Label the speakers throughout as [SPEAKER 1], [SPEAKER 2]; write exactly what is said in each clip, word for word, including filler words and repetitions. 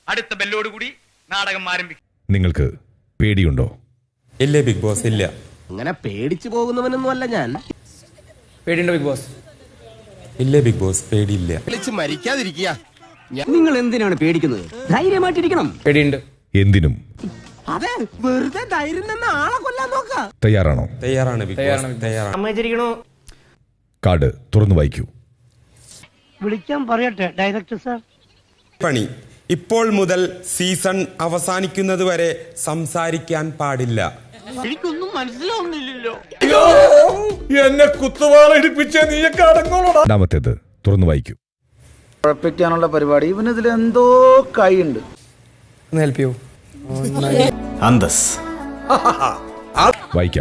[SPEAKER 1] അടുത്ത ബെല്ലോട് കൂടി നാടകം ആരംഭിക്കും.
[SPEAKER 2] നിങ്ങൾക്ക് പേടിയുണ്ടോ?
[SPEAKER 3] ഇല്ല ബിഗ് ബോസ്, ഇല്ല.
[SPEAKER 4] അങ്ങനെ പേടിച്ചു പോകുന്നവനൊന്നും അല്ല ഞാൻ.
[SPEAKER 5] പേടിയുണ്ടോ ബിഗ് ബോസ്?
[SPEAKER 3] ഇല്ല ബിഗ് ബോസ്, പേടിയില്ല.
[SPEAKER 4] വിളിച്ച് മരിക്കാതിരിക്കുക. നിങ്ങൾ എന്തിനാണ് പേടിക്കുന്നത്? ധൈര്യമായിട്ടിരിക്കണം.
[SPEAKER 5] പേടിയുണ്ട്.
[SPEAKER 2] എന്തിനും
[SPEAKER 4] അതെ, വെറുതെ ധൈര്യം തന്നെ ആളെ കൊല്ലാൻ നോക്കാം.
[SPEAKER 2] തയ്യാറാണോ?
[SPEAKER 3] തയ്യാറാണ് ബിഗ് ബോസ്, തയ്യാറാണ്.
[SPEAKER 2] കാർഡ് തുറന്നു വായിക്കൂ.
[SPEAKER 6] വിളിക്കാൻ പറയട്ടെ ഡയറക്ടർ സാർ?
[SPEAKER 3] പണി. ഇപ്പോൾ മുതൽ സീസൺ അവസാനിക്കുന്നത് വരെ സംസാരിക്കാൻ പാടില്ല.
[SPEAKER 6] എനിക്കൊന്നും മനസ്സിലാവുന്നില്ലല്ലോ.
[SPEAKER 5] എന്നെ കുത്തുവാളടിപ്പിച്ച നീയൊക്കെ അടങ്ങോളൂടാ.
[SPEAKER 2] രണ്ടാമത്തേത് തുറന്നു വായിക്കൂ.
[SPEAKER 7] ഉറപ്പിക്കാനുള്ള പരിപാടി ഇവനിതിൽ എന്തോ കൈയുണ്ട്.
[SPEAKER 5] ഒന്ന് ഹെൽപ്പ് ചെയ്യൂ.
[SPEAKER 7] അന്തസ്
[SPEAKER 2] വായിക്കാം.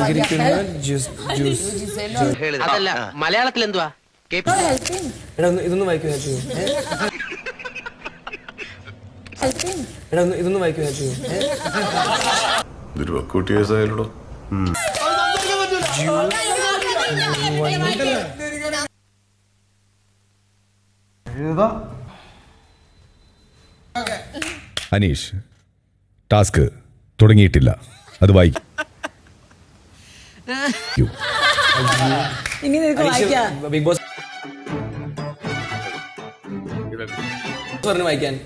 [SPEAKER 4] അതല്ല, മലയാളത്തിൽ എന്തുവാ?
[SPEAKER 5] എടാ ഇതൊന്നും വായിക്കൂ, ഹെൽപ്പ് ചെയ്യൂ. എടാ ഇതൊന്നും വായിക്കൂ, ഹെൽപ്പ് ചെയ്യൂ.
[SPEAKER 2] അനീഷ്, ടാസ്ക് തുടങ്ങിയിട്ടില്ല, അത് വായിക്കൂ.
[SPEAKER 5] ബിഗ് ബോസ് പറഞ്ഞു വായിക്കാൻ.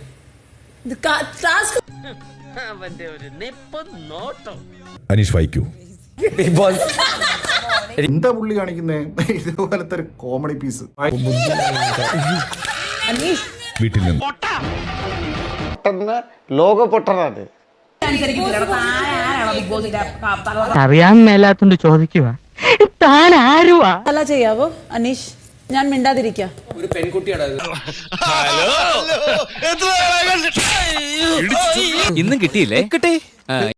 [SPEAKER 2] അനീഷ് വായിക്കൂ.
[SPEAKER 5] ബിഗ് ബോസ്
[SPEAKER 7] എന്താ പുള്ളി കാണിക്കുന്നേ? ഇതുപോലത്തെ ഒരു കോമഡി പീസ്.
[SPEAKER 2] വീട്ടിൽ നിന്ന്
[SPEAKER 7] ലോക പൊട്ടനാണ്.
[SPEAKER 6] അറിയാൻ മേലാത്തോണ്ട് ചോദിക്കുക, താൻ ആരുവാ?
[SPEAKER 8] അല്ല ചെയ്യാവോ അനീഷ്? ഞാൻ മിണ്ടാതിരിക്കാം.
[SPEAKER 5] ഒരു പെൺകുട്ടിയാണ്
[SPEAKER 1] ഇന്നും കിട്ടിയില്ലേ? കിട്ടി.